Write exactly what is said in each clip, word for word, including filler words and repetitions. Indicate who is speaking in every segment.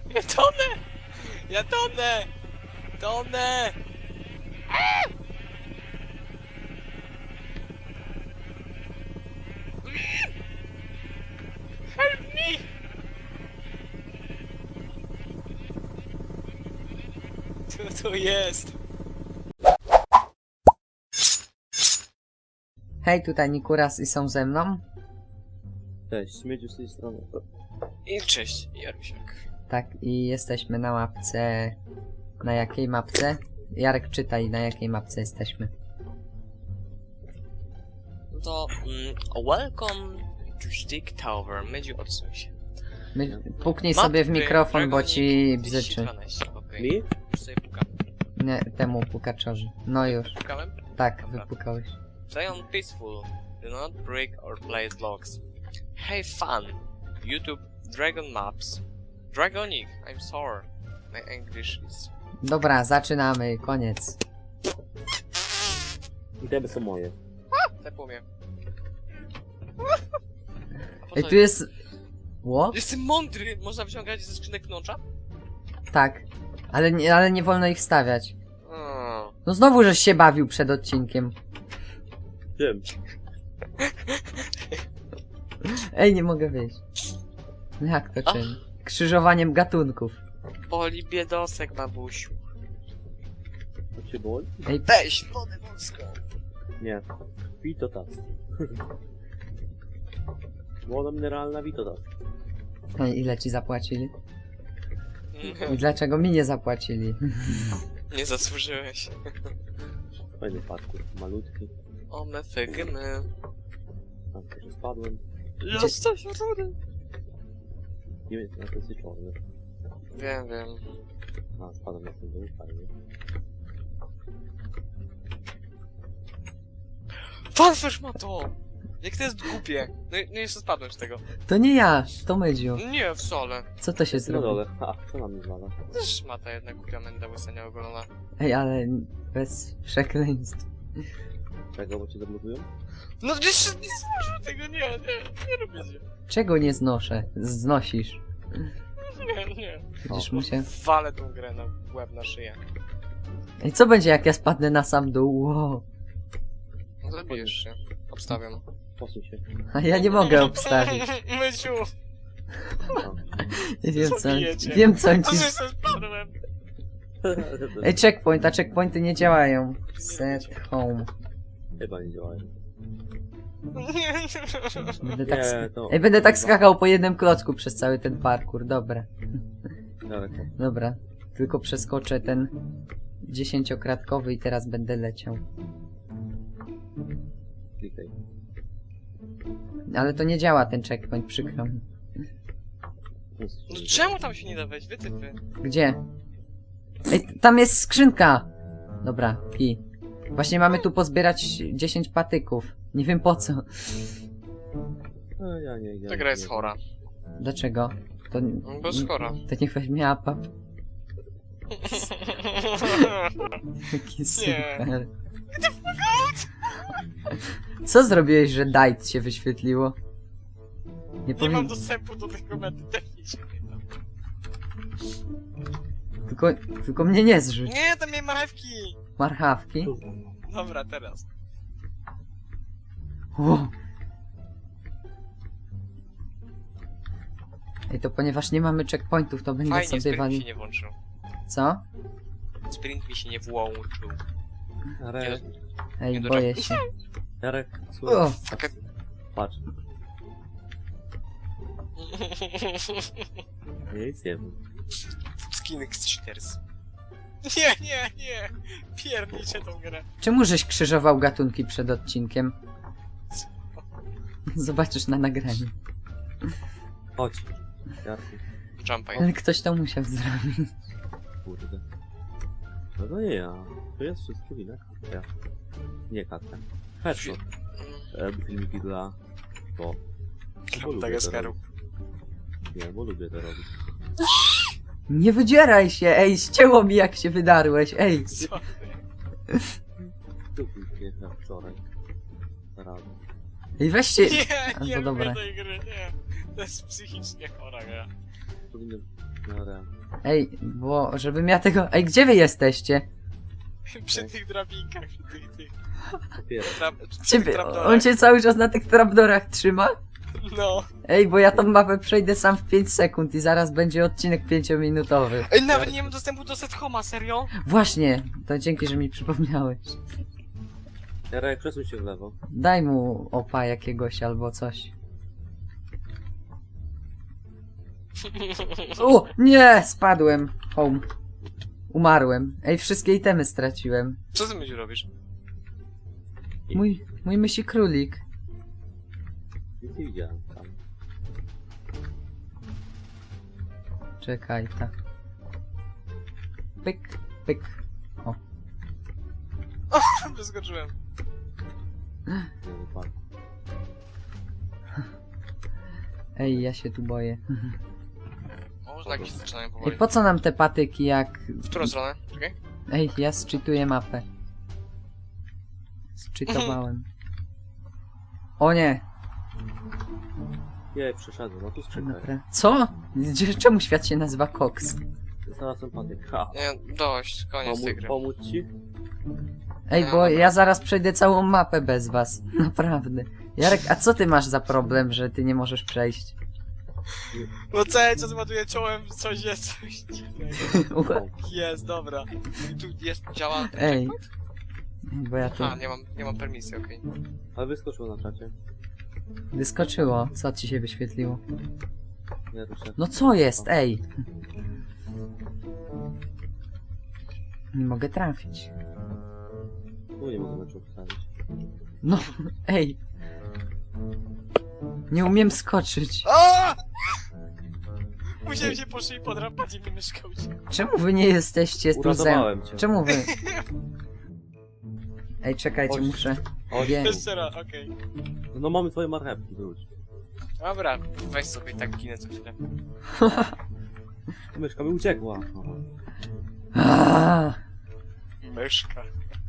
Speaker 1: Ja tonę! Ja tonę! Tonę! Help me! Co to jest?
Speaker 2: Hej, tutaj Nikuras i są ze mną.
Speaker 3: Cześć, śmieciu z tej strony.
Speaker 1: I cześć, Jarusiak.
Speaker 2: Tak, i jesteśmy na mapce... Na jakiej mapce? Jarek, czytaj, na jakiej mapce jesteśmy.
Speaker 1: No to mm, welcome to Stick Tower. Mydziu, odsuń się.
Speaker 2: My, puknij
Speaker 1: Mapy
Speaker 2: sobie w mikrofon, bo ci
Speaker 1: Dragonik
Speaker 2: bzyczy.
Speaker 1: dwieście dwanaście, okej.
Speaker 3: Mi?
Speaker 1: Już sobie pukam.
Speaker 2: Nie, temu pukaczowi. No już.
Speaker 1: Pukałem?
Speaker 2: Tak,
Speaker 1: Dobra.
Speaker 2: wypukałeś.
Speaker 1: Play on peaceful. Do not break or place blocks. Hey fun! YouTube Dragon Maps. Dragonic, I'm sorry. My English is...
Speaker 2: Dobra, zaczynamy, koniec.
Speaker 3: Itemy są moje.
Speaker 1: Tepło mnie. A po
Speaker 2: Ej,
Speaker 1: co-
Speaker 2: tu jest... Ło?
Speaker 1: Jestem mądry! Można wyciągać ze skrzynek knącza?
Speaker 2: Tak. Ale nie, ale nie wolno ich stawiać.
Speaker 1: Mm.
Speaker 2: No znowu żeś się bawił przed odcinkiem.
Speaker 3: Wiem.
Speaker 2: Ej, nie mogę wyjść. Jak to
Speaker 1: Ach.
Speaker 2: czym? Krzyżowaniem gatunków.
Speaker 1: Boli biedosek, babusiu.
Speaker 3: To cię boli?
Speaker 2: Ej,
Speaker 1: Weź wodę morską.
Speaker 3: Nie. Witotas. Woda mineralna Witotas.
Speaker 2: ej, ile ci zapłacili? I dlaczego mi nie zapłacili?
Speaker 1: Nie zasłużyłeś.
Speaker 3: Fajny parkour. Malutki.
Speaker 1: O me fygymy.
Speaker 3: Tam też spadłem.
Speaker 1: Jesteś rudy.
Speaker 3: Nie wiem, na to jest czarny.
Speaker 1: Wiem, wiem.
Speaker 3: A, spadłem na ten dół, fajnie.
Speaker 1: Fanfish ma to! Jak to jest głupie. No, i- no jeszcze spadłem z tego.
Speaker 2: To nie ja, to Mydziu.
Speaker 1: Nie, wcale.
Speaker 2: Co to się
Speaker 3: Jest na
Speaker 2: zrobiło?
Speaker 3: dole. A, co nam nie zwala?
Speaker 1: Też ma ta jedna głupia menda łysenia ogolona.
Speaker 2: Ej, ale bez przekleństw.
Speaker 3: Czego, bo cię zablokują?
Speaker 1: No jeszcze nie złożę tego, nie, nie, nie robię się.
Speaker 2: Czego nie znoszę? Znosisz.
Speaker 1: Nie, nie.
Speaker 2: Będziesz
Speaker 3: O.
Speaker 2: musiał...
Speaker 1: Walę tą grę na łeb, na szyję.
Speaker 2: Ej, co będzie jak ja spadnę na sam dół? Wow.
Speaker 1: No zabijesz się. Obstawiam.
Speaker 3: Posuń się.
Speaker 2: A ja nie mogę obstawić.
Speaker 1: Myciu!
Speaker 3: A.
Speaker 2: Wiem co,
Speaker 1: Zabijecie.
Speaker 2: wiem co on
Speaker 1: To
Speaker 2: ci...
Speaker 1: że się spadłem!
Speaker 2: Ej, checkpoint, a checkpointy nie działają. Set home.
Speaker 3: Chyba nie działają.
Speaker 2: Będę tak... sk-
Speaker 3: Nie, to...
Speaker 2: Ej, będę tak skakał po jednym klocku przez cały ten parkour, dobra.
Speaker 3: Daleko.
Speaker 2: Dobra, tylko przeskoczę ten dziesięciokratkowy i teraz będę leciał.
Speaker 3: Klikaj.
Speaker 2: Ale to nie działa ten checkpoint, przykro mi.
Speaker 1: No czemu tam się nie da wejść? Wytypy.
Speaker 2: Gdzie? Ej, tam jest skrzynka! Dobra, pi. Właśnie mamy tu pozbierać dziesięć patyków. Nie wiem po co.
Speaker 3: No, ja nie, ja
Speaker 1: Ta gra jest
Speaker 3: nie-
Speaker 1: chora.
Speaker 2: Dlaczego? To,
Speaker 1: No bo jest chora.
Speaker 2: to niech weźmie apap. Jaki super. Co zrobiłeś, że Dight się wyświetliło? Nie,
Speaker 1: Nie
Speaker 2: powin...
Speaker 1: mam dostępu do tego medy technicznie.
Speaker 2: tylko, tylko mnie nie zrzuć.
Speaker 1: Nie, tam nie marchewki!
Speaker 2: Marchawki?
Speaker 1: Dobra, teraz.
Speaker 2: Wow. Ej, to ponieważ nie mamy checkpointów, to będę
Speaker 1: Fajnie,
Speaker 2: sobie
Speaker 1: sprint mi
Speaker 2: walił.
Speaker 1: się nie włączył.
Speaker 2: Co?
Speaker 1: Sprint mi się nie włączył.
Speaker 3: Jarek,
Speaker 2: Ej,
Speaker 1: Nie
Speaker 2: boję się.
Speaker 3: Jarek,
Speaker 2: O.
Speaker 3: słuchaj. Patrz. Nie, nic nie wiem.
Speaker 1: Skin Cheaters. Nie, nie, nie! Pierniczę tą grę.
Speaker 2: Czemu żeś krzyżował gatunki przed odcinkiem? Zobaczysz na nagraniu.
Speaker 3: Chodź. Jarku,
Speaker 1: Jumpaj.
Speaker 2: Ale ktoś to musiał zrobić.
Speaker 3: kurde. No to nie ja. To jest wszystko wina ja. Nie Katka. Headshot. E, filmiki dla... Bo... bo lubię to
Speaker 1: Dageskeru.
Speaker 3: robić. Nie, bo lubię to robić.
Speaker 2: Nie wydzieraj się, ej, ścięło mi jak się wydarłeś, ej.
Speaker 1: Sorry.
Speaker 3: Tu nie na wczoraj. Rano.
Speaker 2: Ej, weź się...
Speaker 1: Nie,
Speaker 2: Albo
Speaker 1: nie lubię
Speaker 2: dobra.
Speaker 1: tej gry, nie. To jest psychicznie chora gra.
Speaker 3: Powinien Dobra.
Speaker 2: Ej, bo żebym ja tego... Ej, gdzie wy jesteście?
Speaker 1: Przy tych drabinkach, przy tych, tych.
Speaker 3: Dopiero.
Speaker 1: Trap, przy tych
Speaker 2: Ciebie,
Speaker 1: trapdorach.
Speaker 2: on cię cały czas na tych trapdorach trzyma?
Speaker 1: No.
Speaker 2: Ej, bo ja tą mapę przejdę sam w pięć sekund i zaraz będzie odcinek pięciominutowy.
Speaker 1: Ej, nawet nie mam dostępu do set homa, serio?
Speaker 2: Właśnie, to dzięki, że mi przypomniałeś.
Speaker 3: Jarek, przesuń się w lewo.
Speaker 2: Daj mu opa jakiegoś albo coś. O, nie, spadłem. Home. Umarłem. Ej, wszystkie itemy straciłem.
Speaker 1: Co ty myślisz robisz?
Speaker 2: Mój, mój mysi królik.
Speaker 3: Nic nie widziałem tam.
Speaker 2: Czekaj, tak. Pyk, pyk.
Speaker 1: Wyskoczyłem.
Speaker 3: Nie wypadł.
Speaker 2: Ej, ja się tu boję.
Speaker 1: O, może tak się zaczynają
Speaker 2: Ej,
Speaker 1: powoli.
Speaker 2: po co nam te patyki jak...
Speaker 1: W którą stronę? Czekaj.
Speaker 2: Ej, ja zczytuję mapę. Zczytowałem. O nie!
Speaker 3: Nie, przeszedłem, no tu skrzynka jest.
Speaker 2: Dobra. Co? Gdzie- Czemu świat się nazywa Cox?
Speaker 3: Znalazłem patyk. Ha!
Speaker 1: Nie, dość, koniec tej
Speaker 3: Pomóc,
Speaker 1: gry.
Speaker 3: pomóc ci?
Speaker 2: Ej,
Speaker 1: No
Speaker 2: bo
Speaker 1: dobra.
Speaker 2: ja zaraz przejdę całą mapę bez was. Naprawdę. Jarek, a co ty masz za problem, że ty nie możesz przejść?
Speaker 1: No cały czas ładuję czołem, coś jest, coś dziwnego.
Speaker 3: O,
Speaker 1: Jest, dobra. I tu jest, działa...
Speaker 2: Ej. Bo ja tu...
Speaker 1: A, nie mam, nie mam permisji, okej.
Speaker 3: ale wyskoczył na czacie.
Speaker 2: Wyskoczyło. Co ci się wyświetliło?
Speaker 3: Nie ruszę.
Speaker 2: No co jest? Ej! Nie mogę trafić.
Speaker 3: Tu nie mogę meczu ustawić.
Speaker 2: No, ej! Nie umiem skoczyć.
Speaker 1: A! Musiałem się po szyi podrapać i mi myszka uciekła.
Speaker 2: Czemu wy nie jesteście tu ze...
Speaker 3: Uratowałem cię.
Speaker 2: Czemu wy? Ej, czekajcie,
Speaker 3: Chodź.
Speaker 2: muszę...
Speaker 3: Chodź.
Speaker 2: Wiem.
Speaker 1: Jeszcze raz, okej.
Speaker 3: No mamy twoje marchewki, wróć.
Speaker 1: Dobra, weź sobie tak ginę co chwilę.
Speaker 3: Myszka mi uciekła. Aha.
Speaker 2: Aaa,
Speaker 1: Myszka.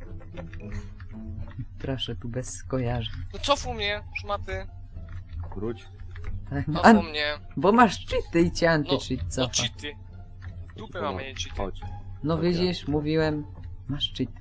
Speaker 2: proszę, tu bez skojarzeń.
Speaker 1: No cofu mnie, szmaty.
Speaker 3: Wróć.
Speaker 2: Tak, A,
Speaker 1: Cofu mnie.
Speaker 2: bo masz cheaty i cię anty-cheat
Speaker 1: No
Speaker 2: cofa.
Speaker 1: cheaty. Dupy mamy, nie cheaty.
Speaker 3: Chodź.
Speaker 2: No widzisz, mówiłem, masz cheat.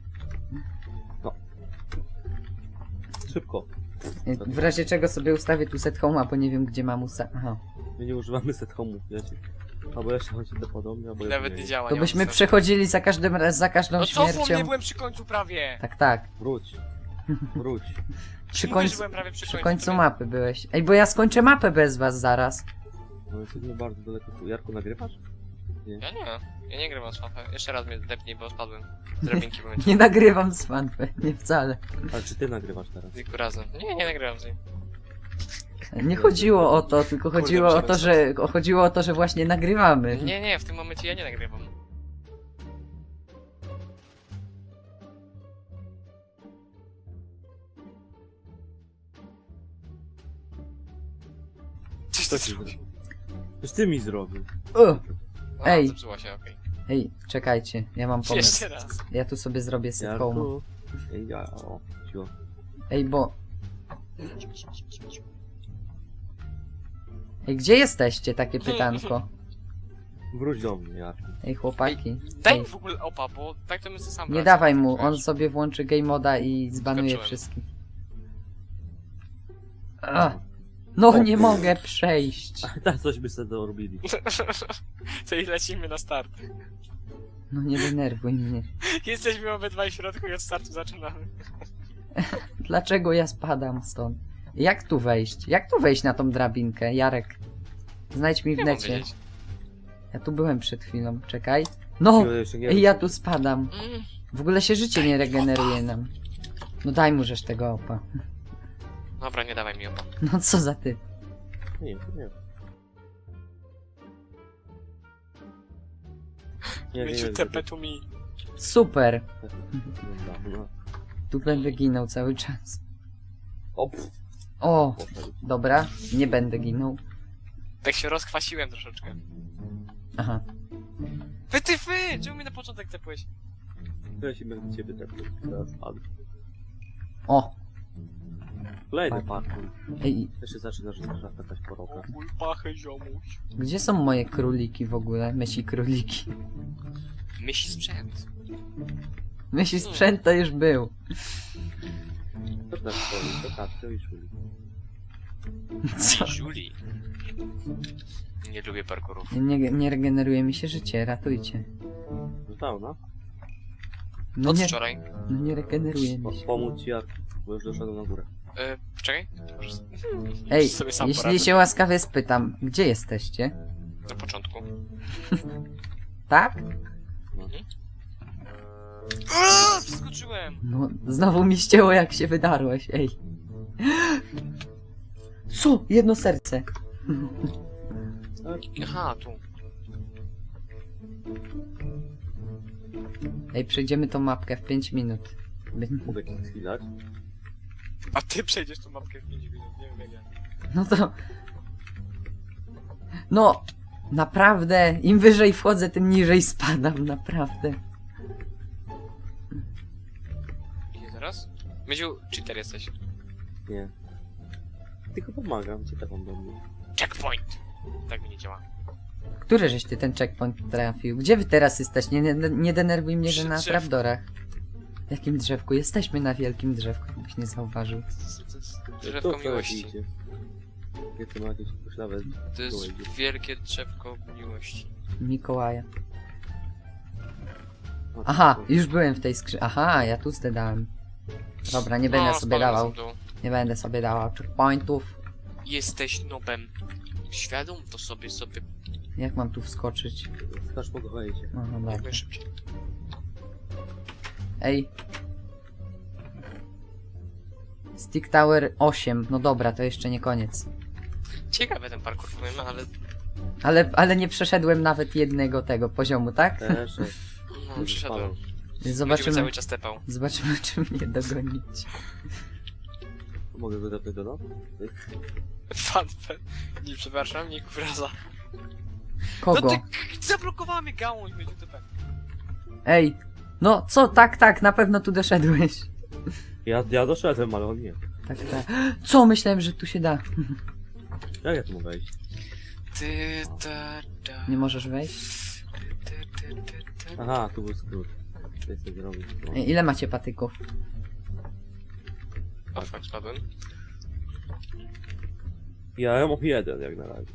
Speaker 3: Szybko.
Speaker 2: W razie czego sobie ustawię tu set home'a, bo nie wiem gdzie mam usta... Aha.
Speaker 3: My nie używamy set home'ów, wiecie. Albo jeszcze chodzi to podobnie, albo
Speaker 1: Nawet
Speaker 3: nie.
Speaker 1: nie działa,
Speaker 2: To
Speaker 1: nie
Speaker 2: byśmy
Speaker 1: mam sensu.
Speaker 2: przechodzili za każdym raz, za każdą
Speaker 1: No cofu mnie,
Speaker 2: śmiercią.
Speaker 1: byłem przy końcu prawie.
Speaker 2: Tak, tak.
Speaker 3: Wróć. Wróć.
Speaker 2: Przy
Speaker 1: Mówię, że
Speaker 2: końcu,
Speaker 1: byłem prawie przy
Speaker 2: przy
Speaker 1: końcu.
Speaker 2: końcu
Speaker 1: prawie.
Speaker 2: mapy byłeś. Ej, bo ja skończę mapę bez was zaraz.
Speaker 3: No jesteśmy bardzo daleko. tu. Jarku, nagrywasz?
Speaker 1: Ja nie, ja nie grywam z mapę. Jeszcze raz mnie depnij, bo spadłem. Z drabinki byłem
Speaker 2: Nie nagrywam z fanfy, nie wcale.
Speaker 3: Ale czy ty nagrywasz teraz?
Speaker 1: kilku razy. Nie, nie nagrywam z nim.
Speaker 2: Nie chodziło o to, tylko
Speaker 1: Kurde,
Speaker 2: chodziło o
Speaker 1: muszę
Speaker 2: to, że o- chodziło o to, że właśnie nagrywamy.
Speaker 1: Nie, nie, w tym momencie ja nie nagrywam. Coś
Speaker 3: Co
Speaker 1: ty
Speaker 3: ci
Speaker 1: zrobił?
Speaker 3: zrobił? Coś ty mi zrobił.
Speaker 2: O,
Speaker 1: A,
Speaker 2: Ej.
Speaker 1: zepsuła się, okej.
Speaker 2: ej, czekajcie, ja mam pomysł.
Speaker 1: Jeszcze raz.
Speaker 2: Ja tu sobie zrobię set home.
Speaker 3: Jarku. Ej, ja, o, cicho.
Speaker 2: Ej, bo... Ej, gdzie jesteście? Takie pytanko.
Speaker 3: Wróć do mnie, Jarku.
Speaker 2: Ej, chłopaki.
Speaker 1: Daj
Speaker 2: Ej,
Speaker 1: mi w ogóle opa, bo tak to my sobie sam
Speaker 2: nie
Speaker 1: radzę.
Speaker 2: dawaj mu, on
Speaker 1: Wiesz?
Speaker 2: sobie włączy game moda i zbanuje
Speaker 1: Skoczyłem.
Speaker 2: wszystkich. A, no nie mogę przejść.
Speaker 3: Ale tak coś by sobie dorobili.
Speaker 1: To i lecimy na start.
Speaker 2: No nie denerwuj mnie.
Speaker 1: Jesteśmy obydwaj w środku i od startu zaczynamy.
Speaker 2: Dlaczego ja spadam stąd? Jak tu wejść? Jak tu wejść na tą drabinkę? Jarek, znajdź mi w
Speaker 1: Nie mam
Speaker 2: necie.
Speaker 1: wiedzieć.
Speaker 2: Ja tu byłem przed chwilą, czekaj. No!
Speaker 3: Chwilę jeszcze nie
Speaker 2: Ej, ja tu spadam.
Speaker 1: Mm.
Speaker 2: W ogóle się życie nie regeneruje nam. No daj mu żeś tego opa.
Speaker 1: Dobra, nie dawaj mi opa.
Speaker 2: No co za ty?
Speaker 3: Nie, to nie. Nie, nie,
Speaker 1: Mieciu
Speaker 3: nie.
Speaker 1: tepe tu mi.
Speaker 2: Super!
Speaker 3: Dobra, no.
Speaker 2: Tu będę ginął cały czas.
Speaker 3: O, pff,
Speaker 2: O!
Speaker 3: poszedł.
Speaker 2: Dobra, nie będę ginął.
Speaker 1: Tak się rozkwasiłem troszeczkę.
Speaker 2: Aha.
Speaker 1: Wy ty fy! Czemu mi na początek tepłeś?
Speaker 3: Ja się będę ciebie tepnął. Teraz padł.
Speaker 2: O!
Speaker 3: Kolejny parkour.
Speaker 2: Ej,
Speaker 3: To się zaczyna, że zaczyna skakać po rokach.
Speaker 1: mój pachę ziomuś.
Speaker 2: gdzie są moje króliki w ogóle? Myśli króliki.
Speaker 1: Myśli sprzęt.
Speaker 2: Myśli sprzęt to już był.
Speaker 3: To tak stoi, to Katrio i Szuli.
Speaker 2: Co?
Speaker 1: Julie. Nie lubię parkourów.
Speaker 2: Nie, nie regeneruje mi się życie, ratujcie.
Speaker 3: Zostało,
Speaker 2: No
Speaker 1: Od
Speaker 2: nie,
Speaker 1: wczoraj.
Speaker 2: no nie regeneruje
Speaker 3: Po,
Speaker 2: mi się.
Speaker 3: pomóc ci, jak... bo już doszedłem na górę.
Speaker 1: E, czekaj. Może s-
Speaker 2: Ej,
Speaker 1: sobie sam
Speaker 2: jeśli
Speaker 1: poradzę.
Speaker 2: się łaskawie spytam, gdzie jesteście?
Speaker 1: Na początku.
Speaker 2: Tak?
Speaker 1: Aaaa, Przeskoczyłem!
Speaker 2: No, znowu mi ścięło jak się wydarłeś, ej. Co? Jedno serce.
Speaker 1: Aha, tu.
Speaker 2: Ej, przejdziemy tą mapkę w pięć minut. By-
Speaker 3: Mogę ci chwilać.
Speaker 1: A ty przejdziesz tą mapkę w pięć minut, nie wiem jak ja.
Speaker 2: No to... No, naprawdę, im wyżej wchodzę, tym niżej spadam, naprawdę.
Speaker 1: Gdzie teraz? Mydziu, cheater jesteś.
Speaker 3: Nie. Tylko pomagam, co taką do mnie.
Speaker 1: Checkpoint! Tak mi nie działa.
Speaker 2: Który żeś ty ten checkpoint trafił? Gdzie wy teraz jesteś? Nie, nie, nie denerwuj mnie, że
Speaker 1: Przy
Speaker 2: na
Speaker 1: drzewku.
Speaker 2: trapdorach. W jakim drzewku? Jesteśmy na wielkim drzewku, jakbyś nie zauważył.
Speaker 1: To jest
Speaker 3: To
Speaker 1: drzewko
Speaker 3: co
Speaker 1: miłości.
Speaker 3: idzie? Nie chcę ma jakieś poślawę.
Speaker 1: To jest wielkie drzewko miłości.
Speaker 2: Mikołaja. Aha, już byłem w tej skrzynce. Aha, ja tu zdedałem. Dobra, nie będę
Speaker 1: No,
Speaker 2: sobie
Speaker 1: spadłem
Speaker 2: dawał.
Speaker 1: w dół.
Speaker 2: Nie będę sobie dawał checkpointów.
Speaker 1: Jesteś nobem. Świadom to sobie, sobie
Speaker 2: Jak mam tu wskoczyć?
Speaker 3: Skacz po wejdzie.
Speaker 2: Aha,
Speaker 1: jak
Speaker 2: dobra.
Speaker 1: najszybciej.
Speaker 2: Ej. Stick Tower osiem. No dobra, to jeszcze nie koniec.
Speaker 1: Ciekawe ten parkour powiem, ale
Speaker 2: Ale, ale nie przeszedłem nawet jednego tego poziomu, tak?
Speaker 3: Też.
Speaker 1: no, przyszedłem. Będziemy
Speaker 2: Zobaczymy,
Speaker 1: cały czas tepał.
Speaker 2: zobaczymy czy mnie dogonić.
Speaker 3: Mogę go dopytać do no?
Speaker 1: Fan, fan. Nie przepraszam, nie kuraza.
Speaker 2: Kogo?
Speaker 1: No ty zablokowała mnie gałąź, będzie tepem.
Speaker 2: Ej. No co? Tak, tak, na pewno tu doszedłeś.
Speaker 3: Ja, ja doszedłem, ale on nie.
Speaker 2: Tak, tak. Co? Myślałem, że tu się da.
Speaker 3: Jak ja tu mogę wejść?
Speaker 1: Ty, ta, ta.
Speaker 2: Nie możesz wejść?
Speaker 1: Ty, ty, ty, ty.
Speaker 3: Aha, tu był skrót. To jest zrobić. No.
Speaker 2: Ej, ile macie patyków?
Speaker 1: O, fakt, spadłem.
Speaker 3: Ja mam jeden jak na razie.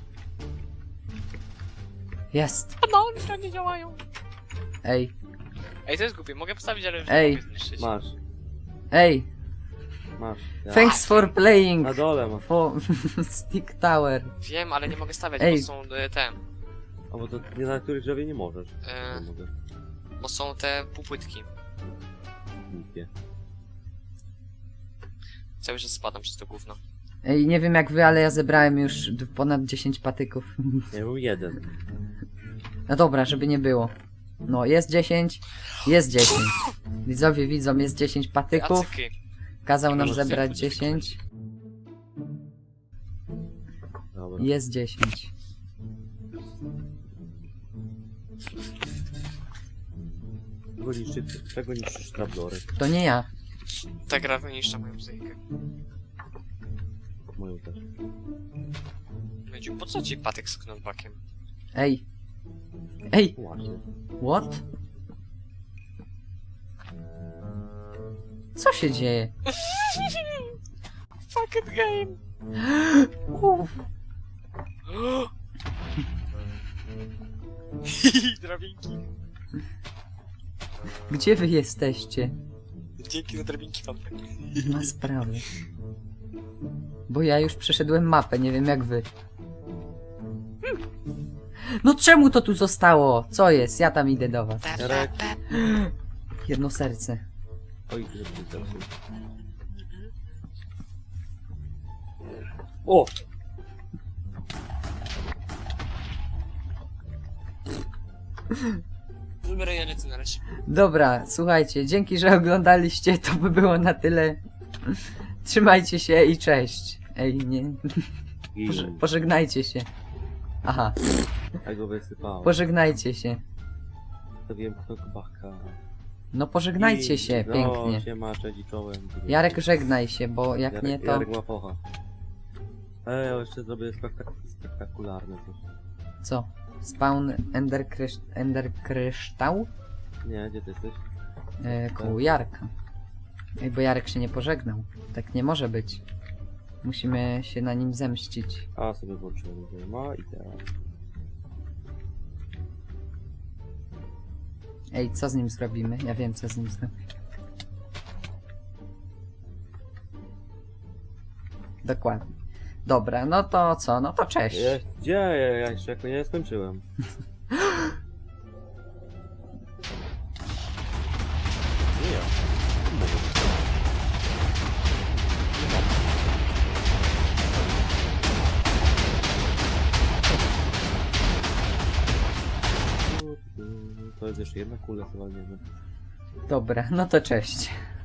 Speaker 2: Jest.
Speaker 1: No, one nie działają.
Speaker 2: Ej.
Speaker 1: Ej, to jest głupie, mogę postawić, ale już
Speaker 2: Ej.
Speaker 1: nie mogę zniszczyć.
Speaker 3: Masz,
Speaker 2: Ej.
Speaker 3: masz. Ja.
Speaker 2: Thanks for playing.
Speaker 3: Na dole masz.
Speaker 2: For Stick Tower.
Speaker 1: Wiem, ale nie mogę stawiać,
Speaker 2: Ej.
Speaker 1: bo są e, te...
Speaker 3: A bo to nie na których drzewie nie możesz.
Speaker 1: E,
Speaker 3: Nie mogę.
Speaker 1: bo są te półpłytki.
Speaker 3: Głupie.
Speaker 1: Cały czas spadam przez to gówno.
Speaker 2: Ej, nie wiem jak wy, ale ja zebrałem już d- ponad dziesięć patyków.
Speaker 3: Ja był jeden.
Speaker 2: No dobra, żeby nie było. No, jest dziesięć. Jest dziesięć. Widzowie widzą, jest dziesięć
Speaker 1: Ty,
Speaker 2: patyków.
Speaker 1: acyky.
Speaker 2: Kazał nam
Speaker 3: Może
Speaker 2: zebrać
Speaker 1: chcę-
Speaker 2: dziesięć.
Speaker 3: Dobra.
Speaker 2: Jest dziesięć.
Speaker 3: Czego niszczysz, czego niszczysz trapdory?
Speaker 2: To nie ja.
Speaker 1: Ta gra wyniszcza moją psychikę.
Speaker 3: Moją też.
Speaker 1: Będzie, po co ci patyk z knockbackiem?
Speaker 2: Ej. Ej,
Speaker 3: Właśnie.
Speaker 2: what? Co się dzieje?
Speaker 1: Fucking game!
Speaker 2: Uff.
Speaker 1: Drabinki.
Speaker 2: Gdzie wy jesteście?
Speaker 1: Dzięki za drabinki, pan.
Speaker 2: Nie ma sprawy. Bo ja już przeszedłem mapę, nie wiem jak wy. No czemu to tu zostało? Co jest? Ja tam idę do was.
Speaker 3: Jarek.
Speaker 2: Jedno serce.
Speaker 3: Oj, że ty teraz. O!
Speaker 1: Dobra, ja lecę na razie.
Speaker 2: Dobra, słuchajcie, dzięki, że oglądaliście, to by było na tyle. Trzymajcie się i cześć. Ej, nie. Poże
Speaker 3: I
Speaker 2: pożegnajcie się. Aha,
Speaker 3: ja go wysypałem.
Speaker 2: pożegnajcie się.
Speaker 3: To wiem, kto baka.
Speaker 2: No pożegnajcie
Speaker 3: I-
Speaker 2: się
Speaker 3: no,
Speaker 2: pięknie.
Speaker 3: Siema, cześć i czołem.
Speaker 2: Jarek, żegnaj się, bo jak
Speaker 3: Jarek,
Speaker 2: nie to...
Speaker 3: Jarek ma focha. Ej, jeszcze zrobię spektak spektakularne coś.
Speaker 2: Co? Spawn Ender, krysz... Ender kryształ?
Speaker 3: Nie, gdzie ty jesteś?
Speaker 2: E, koło Jarka. Ej, bo Jarek się nie pożegnał. Tak nie może być. Musimy się na nim zemścić.
Speaker 3: A, sobie włączyłem. No i teraz.
Speaker 2: Ej, co z nim zrobimy? Ja wiem, co z nim zrobimy. Dokładnie. Dobra, no to co? No to cześć.
Speaker 3: Jest, gdzie? Ja, ja jeszcze jak nie skończyłem. Nie ja. To jest jeszcze jedna kula, co walniemy.
Speaker 2: Dobra, no to cześć.